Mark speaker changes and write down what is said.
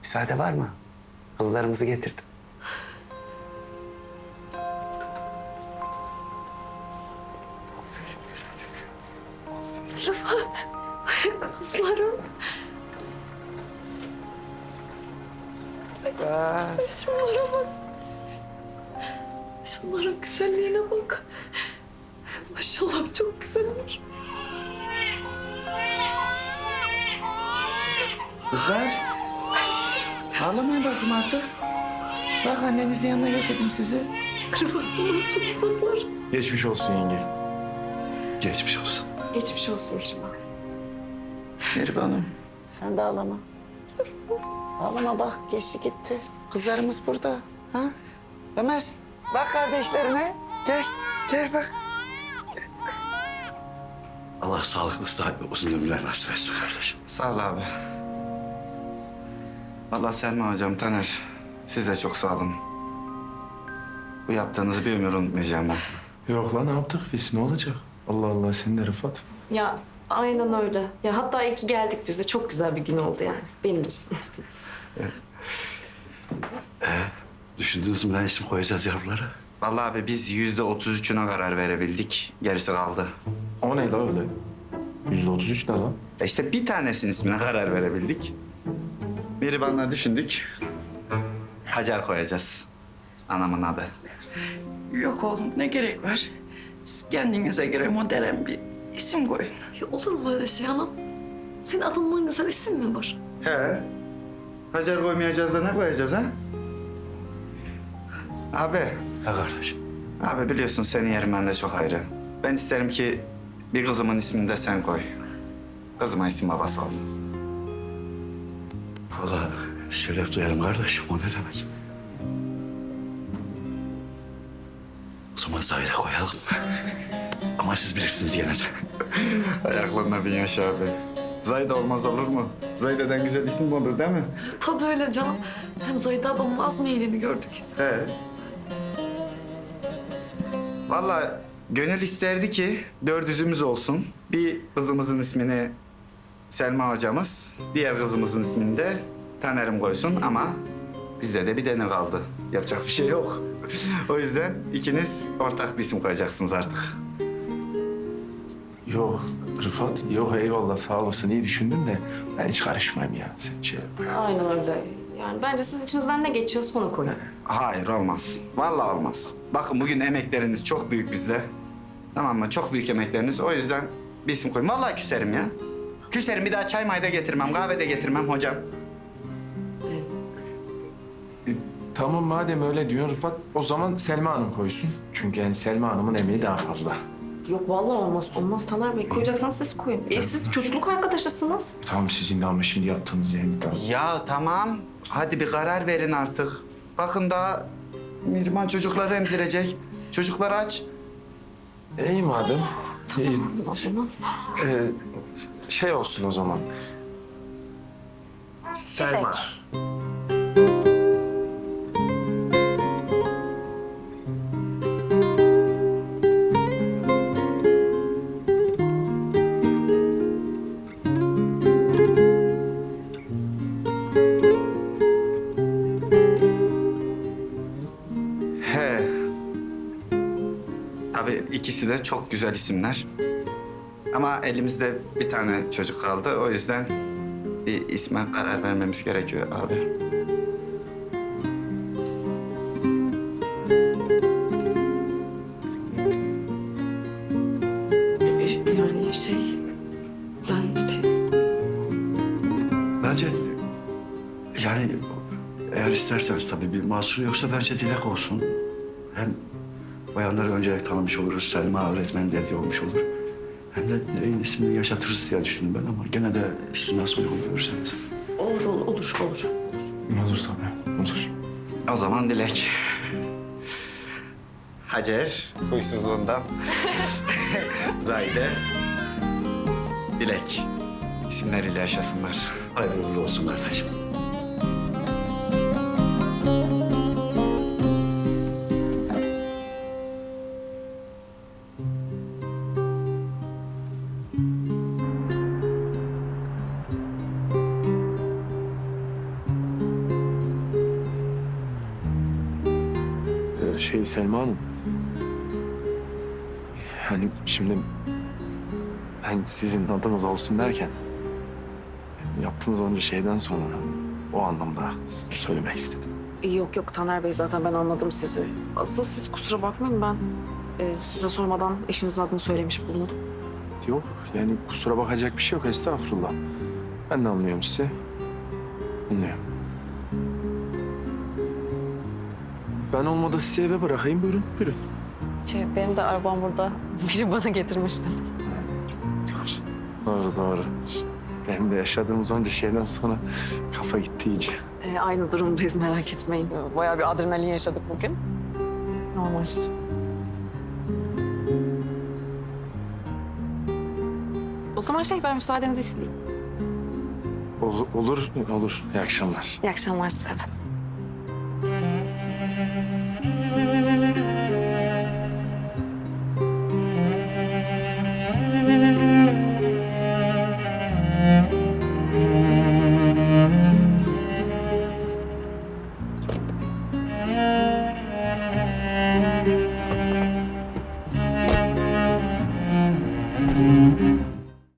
Speaker 1: Müsaade var mı? Kızlarımızı getirdim.
Speaker 2: Aferin güzel çocuğum.
Speaker 3: Kızlarım. Şunlara bak. Şunların güzelliğine bak. Maşallah çok güzeller.
Speaker 1: Kızlar. Ağlamayın bakayım artık. Bak annenizin yanına getirdim sizi.
Speaker 3: Rıfat bunlar çok ufaklar.
Speaker 2: Geçmiş olsun yenge. Geçmiş olsun.
Speaker 3: Geçmiş olsun Mihrimah.
Speaker 1: Mihriban'ım. Sen de ağlama. Ağlama bak geçti gitti. Kızlarımız burada. Ha? Ömer bak kardeşlerine. Gel. Gel bak.
Speaker 4: Allah sağlıklı, sıhhat ve uzun ömürler nasip etsin kardeşim.
Speaker 1: Sağ ol abi. Vallahi Selma hocam, Taner, size çok sağ olun. Bu yaptığınızı bir ömür unutmayacağım ben.
Speaker 2: Yok lan ne yaptık biz? Ne olacak? Allah Allah sen de Rıfat.
Speaker 3: Ya aynen öyle. Ya hatta iyi ki geldik biz de. Çok güzel bir gün oldu yani benim için.
Speaker 4: Düşündünüz mü ne isim koyacağız yavrulara?
Speaker 1: Vallahi abi biz %33'üne karar verebildik. Gerisi kaldı.
Speaker 2: O ne la öyle? %33 ne lan?
Speaker 1: İşte bir tanesinin ismine karar verebildik. Mihriban'la düşündük. Hacer koyacağız. Anamın adı.
Speaker 5: Yok oğlum ne gerek var? Siz kendinize göre modern bir isim koyun.
Speaker 3: Ya olur mu öyle şey anam? Senin adından güzel isim mi var?
Speaker 1: He. Hacer koymayacağız da ne koyacağız ha? Abi.
Speaker 4: Ha kardeşim.
Speaker 1: Abi biliyorsun senin yerin bende çok ayrı. Ben isterim ki bir kızımın ismini de sen koy. Kızıma isim babası ol.
Speaker 4: Vallahi şeref duyarım kardeşim, o ne demek? O zaman Zahir'e koyalım. Ama siz bilirsiniz gene de.
Speaker 1: Ayaklarına bin yaş abi. Zayda olmaz olur mu? Zayda'dan güzel isim mi olur değil mi?
Speaker 3: Tabii öyle canım. Hem Zahide ablamın az meyilini gördük.
Speaker 1: He. Vallahi gönül isterdi ki dördüzümüz olsun. Bir kızımızın ismini Selma hocamız, diğer kızımızın ismini de Taner'im koysun ama bizde de bir tane kaldı. Yapacak bir şey yok. O yüzden ikiniz ortak bir isim koyacaksınız artık.
Speaker 2: Yok Rıfat, yok eyvallah sağ olasın iyi düşündün de ben hiç karışmayayım ya. Sen şey yap.
Speaker 3: Aynen öyle. Yani bence siz içinizden ne geçiyorsa onu koyun.
Speaker 1: Hayır olmaz. Vallahi olmaz. Bakın bugün emekleriniz çok büyük bizde. Tamam mı? Çok büyük emekleriniz. O yüzden bir isim koyun. Vallahi küserim ya. Küserim, bir daha çay mayda getirmem, kahve de getirmem hocam.
Speaker 2: Tamam madem öyle diyorsun Rıfat, o zaman Selma Hanım koysun. Çünkü yani Selma Hanım'ın emeği daha fazla.
Speaker 3: Yok vallahi olmaz. Olmaz Taner Bey. Koyacaksanız siz koyun. Siz çocukluk arkadaşısınız.
Speaker 2: Tamam sizin de ama şimdi yaptığınız yani tamam.
Speaker 1: Ya tamam. Hadi bir karar verin artık. Bakın daha Mihrimah çocukları emzirecek. Çocuklar aç.
Speaker 2: İyi madem. İyi.
Speaker 3: O zaman.
Speaker 2: Şey olsun o zaman. Selma.
Speaker 1: He. Tabii ikisi de çok güzel isimler. Ama elimizde bir tane çocuk kaldı. O yüzden bir isme karar vermemiz gerekiyor abi.
Speaker 3: Yani şey... Ben...
Speaker 4: Bence yani eğer isterseniz tabii bir mahsuru yoksa bence Dilek olsun. Hem bayanları öncelik tanımış oluruz. Selma öğretmen dediği olmuş olur. Hem de Dilek'in ismini yaşatırız diye düşündüm ben ama gene de siz nasıl uygun görürseniz.
Speaker 3: Olur.
Speaker 2: Olur tabii. Olur.
Speaker 1: O zaman Dilek. Hacer, huysuzluğundan. Zahide, Dilek. İsimleriyle yaşasınlar.
Speaker 4: Hayırlı uğurlu olsun kardeşim.
Speaker 2: Selma Hanım. Hani şimdi ben sizin adınız olsun derken yaptığınız onca şeyden sonra o anlamda size söylemek istedim.
Speaker 3: Yok yok Taner Bey, zaten ben anladım sizi. Asıl siz kusura bakmayın, ben size sormadan eşinizin adını söylemiş bulundum.
Speaker 2: Yok yani kusura bakacak bir şey yok, estağfurullah. Ben de anlıyorum sizi. Anlıyorum. Ben olmadı sizi eve bırakayım, buyurun buyurun.
Speaker 3: Benim de arabam burada. Biri bana getirmişti.
Speaker 2: Doğru doğru. Benim de yaşadığımız onca şeyden sonra kafa gitti iyice.
Speaker 3: Aynı durumdayız, merak etmeyin. Bayağı bir adrenalin yaşadık bugün. Normal. O zaman ben müsaadenizi isteyeyim.
Speaker 2: Olur, olur. İyi akşamlar.
Speaker 3: İyi akşamlar size de.